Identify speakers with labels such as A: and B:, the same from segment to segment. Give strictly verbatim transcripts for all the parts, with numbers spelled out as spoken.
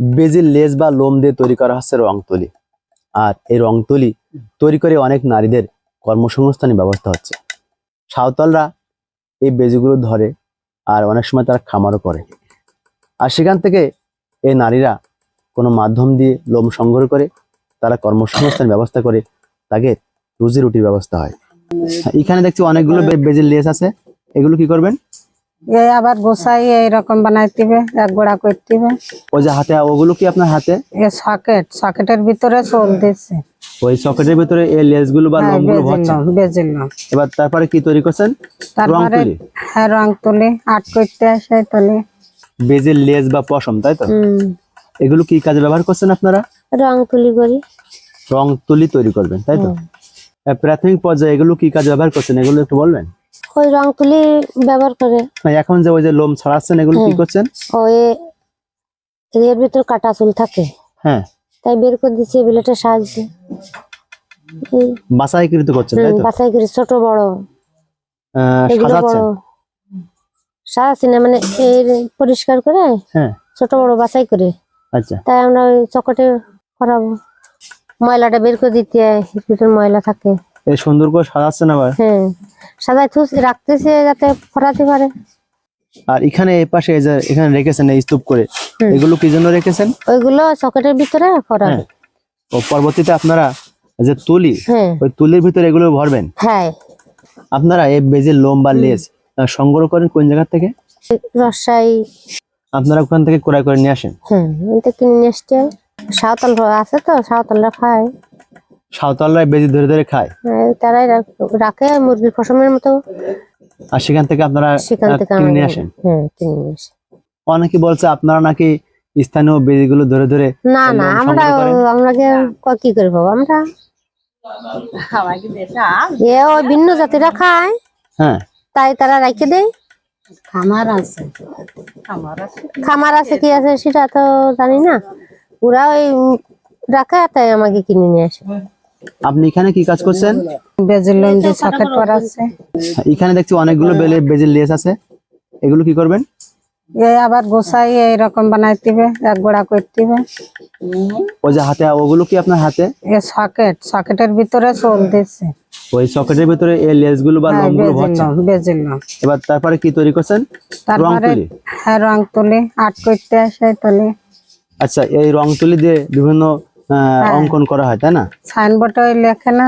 A: বেজির লেজ বা লোম দিয়ে তৈরি করা হচ্ছে রং তুলি। আর এই রং তুলি তৈরি করে অনেক নারীদের কর্মসংস্থানের ব্যবস্থা হচ্ছে। সাঁওতালরা এই বেজিগুলো ধরে আর অনেক সময় তারা খামারও করে, আর সেখান থেকে এই নারীরা কোনো মাধ্যম দিয়ে লোম সংগ্রহ করে তারা কর্মসংস্থানের ব্যবস্থা করে, তাকে রুজি রুটির ব্যবস্থা হয়। এখানে দেখছি অনেকগুলো বেজির লেজ আছে, এগুলো কি করবেন?
B: এই আবার গোসাই এইরকম বানাইতে হবে, এক গোড়া করতে হবে।
A: ওই যে হাতে, ওগুলো কি আপনার হাতে?
B: এই সকেট, সকেটের ভিতরে চোল দিচ্ছে,
A: ওই সকেটের ভিতরে এই লেজগুলো বা লোমগুলো ভরছেন।
B: বেজিলাম।
A: এবার তারপরে কি তৈরি করছেন?
B: তারপরে হ্যাঁ রং তুলি আট করতে আসে তুলি।
A: বেজির লেজ বা পশম, তাই তো? এগুলো কি কাজে ব্যবহার করছেন আপনারা?
C: রং তুলি করি।
A: রং তুলি তৈরি করবেন, তাই তো? প্রাথমিক পর্যায়ে এগুলো কি কাজে ব্যবহার করছেন, এগুলো একটু বলবেন?
C: ওই রং তুলি ব্যবহার করে।
A: এখন যে ওই যে লোম ছড়াচ্ছেন, এগুলো কি করছেন?
C: ওই এর ভিতর কাটা চুল থাকে,
A: হ্যাঁ,
C: তাই বের করে দিচ্ছি ব্লেডের সাহায্যে।
A: বাছাইকৃত করছেন, তাই তো?
C: বাছাই করে ছোট বড়
A: সাজাচ্ছেন।
C: সাজাচ্ছি না, মানে পরিষ্কার করে
A: হ্যাঁ
C: ছোট বড় বাছাই করে।
A: আচ্ছা,
C: তাই আমরা ওই চকটে করাবো, ময়লাটা বের করে দিতে হয়, ভিতর ময়লা থাকে।
A: এই সুন্দর করে সাজাচ্ছেন আবার?
C: হ্যাঁ, সাজাই রাখতেছে যাতে ফরাতে পারে।
A: আর এখানে এই পাশে এই যে এখানে রেখেছেন এই স্তূপ করে, এগুলো কি জন্য রেখেছেন?
C: ওইগুলো সকেটের ভিতরে ফরাবে।
A: ও পরবর্তীতে আপনারা যে তুলি, ওই তুলির ভিতরে এগুলো ভরবেন।
C: হ্যাঁ।
A: আপনারা এই বেজির লোম বা লেজ সংগ্রহ করেন কোন জায়গা থেকে?
C: রাজশাহী।
A: আপনারা ওখান থেকে ক্রয় করে নিয়ে আসেন?
C: হ্যাঁ, ওইটা কিনে নিয়ে আসতে হয়। সাঁওতাল আছে তো, সাঁওতালরা খায়।
A: সাঁওতালরা বেজি ধরে ধরে খায়?
C: তারাই রাখে মুরগির পশমের মতো।
A: আর সেখান থেকে আপনারা কিনে নিয়ে আসেন?
C: হ্যাঁ, কিনে নিয়ে আসেন। অনেকে
A: বলছে আপনারা নাকি স্থানীয় বেজিগুলো ধরে ধরে।
C: না না, আমরা আমরা কি করে পাবো, আমরা এ ওই ভিন্ন জাতিরা খায়। হ্যাঁ, তাই তারা রেখে দেয়।
B: খামার আছে,
C: খামার আছে কি আছে সেটা তো জানি না, ওরা ওই রাখে, তাই আমাকে কিনে নিয়ে আসে।
A: আপনি এখানে কি কাজ করছেন?
B: বেজির লোম দিয়ে সকেট করা আছে।
A: এখানে দেখছি অনেকগুলো বেজির লেজ আছে, এগুলো কি করবেন?
B: এই আবার গোসাই এইরকম বানাইতে হবে, এক গোড়া করতে হবে।
A: ওই যে হাতে, ওগুলো কি আপনার হাতে?
B: এই সকেট, সকেটের ভিতরে চোল দিচ্ছে,
A: ওই সকেটের ভিতরে এই লেজগুলো বা লোমগুলো ভরছেন।
B: বেজিলাম।
A: এবার তারপরে কি তৈরি করছেন?
B: তারপরে হ্যাঁ রং তুলি আট করতে আসে তুলি।
A: আচ্ছা, এই রং তুলি দিয়ে বিভিন্ন অঙ্কন করা হয়, তাই না?
B: সাইনবোর্ডে ওই লেখে না।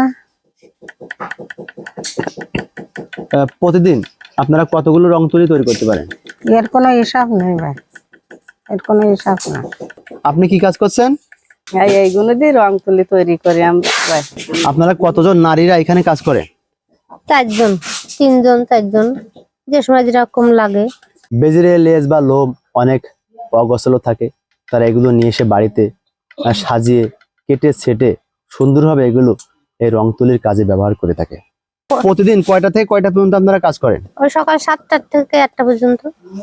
A: প্রতিদিন আপনারা কতগুলো রং তুলি তৈরি করতে পারেন?
B: এর কোনো হিসাব নেই ভাই, এর কোনো হিসাব না।
A: আপনি কি কাজ করছেন?
B: এইগুলো দিয়ে রং তুলি তৈরি করি আমরা।
A: আপনারা কতজন নারীরা এখানে কাজ করে?
C: চারজন, তিনজন, চারজন, যে সময় যেরকম লাগে।
A: বেজির লেজ বা লোম অনেক অগোছালো থাকে, তারা এগুলো নিয়ে এসে বাড়িতে সাজিয়ে কেটে ছেটে সুন্দরভাবে এগুলো এই রং তুলির কাজে ব্যবহার করে থাকে। প্রতিদিন কয়টা থেকে কয়টা পর্যন্ত আপনারা কাজ করেন?
C: ওই সকাল সাতটা থেকে আটটা পর্যন্ত।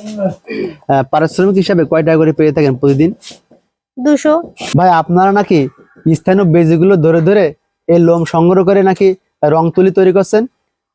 A: পারিশ্রমিক হিসাবে কয় টাকা করে পেয়ে থাকেন প্রতিদিন?
C: দুশো।
A: ভাই, আপনারা নাকি স্থানীয় বেজিগুলো ধরে ধরে এই লোম সংগ্রহ করে নাকি রং তুলি তৈরি করছেন?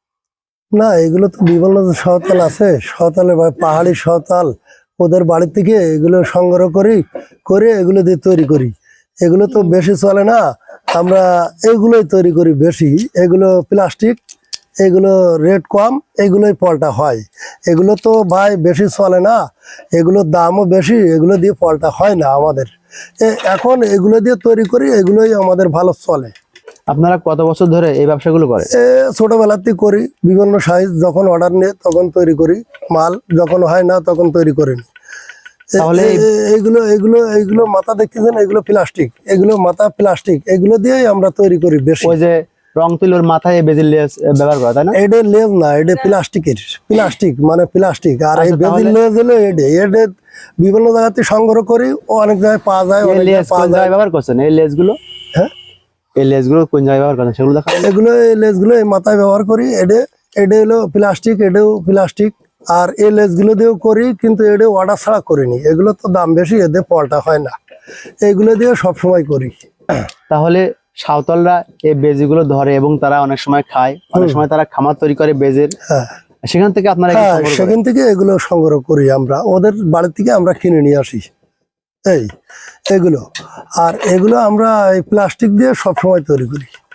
D: না, এগুলো তো বিভিন্ন সাঁওতাল আছে, সাঁওতালে বা পাহাড়ি সাঁওতাল, ওদের বাড়ি থেকে এগুলো সংগ্রহ করি, করে এগুলো দিয়ে তৈরি করি। এগুলো তো বেশি চলে না, আমরা এগুলোই তৈরি করি বেশি। এগুলো প্লাস্টিক, এগুলো রেট কম, এগুলোই পলটা হয়। এগুলো তো ভাই বেশি চলে না, এগুলোর দামও বেশি, এগুলো দিয়ে পলটা হয় না আমাদের। এখন এগুলো দিয়ে তৈরি করি, এগুলোই আমাদের ভালো চলে।
A: আপনারা কত বছর ধরে এই ব্যবসাগুলো করেন?
D: ছোটবেলাতেই করি, বিভিন্ন সাইজ যখন অর্ডার নিয়ে তখন তৈরি করি, মাল যখন হয় না তখন তৈরি করি।
A: তাহলে
D: এইগুলো এগুলো এইগুলো মাথা দেখতেছেন, এগুলো প্লাস্টিক, এগুলো মাথা প্লাস্টিক, এগুলো দিয়েই আমরা তৈরি করি বেশি।
A: ওই যে রং তুলির মাথায় বেজির লেজ ব্যবহার করা, তাই না?
D: এটা লেজ না, এটা প্লাস্টিকের, প্লাস্টিক মানে প্লাস্টিক। আর এই বেজির লেজ হলো এটা, এটা বিভিন্ন জায়গাতে সংগ্রহ করি, অনেক জায়গায় পাওয়া যায়।
A: অনেক জায়গায় পাওয়া যায়। ব্যবহার করছেন এই লেজগুলো? হ্যাঁ, এই লেজগুলো কোন জায়গায় ব্যবহার করেন সেগুলো দেখান।
D: এগুলো এই লেজগুলো এই মাথায় ব্যবহার করি। এটা এটা হলো প্লাস্টিক, এটাও প্লাস্টিক। আর এই লেজগুলো দিয়েও করি, কিন্তু এটা অর্ডার ছাড়া করিনি, এগুলো তো দাম বেশি, এতে পলটা হয় না, এগুলো দিয়ে সবসময় করি।
A: তাহলে সাঁওতালরা এই বেজিগুলো ধরে এবং তারা অনেক সময় খায়, অনেক সময় তারা খামার তৈরি করে বেজের।
D: হ্যাঁ,
A: সেখান থেকে আপনারা
D: সেখান থেকে এগুলো সংগ্রহ করি আমরা, ওদের বাড়ি থেকে আমরা কিনে নিয়ে আসি। এই এগুলো আর এগুলো আমরা এই প্লাস্টিক দিয়ে সবসময় তৈরি করি।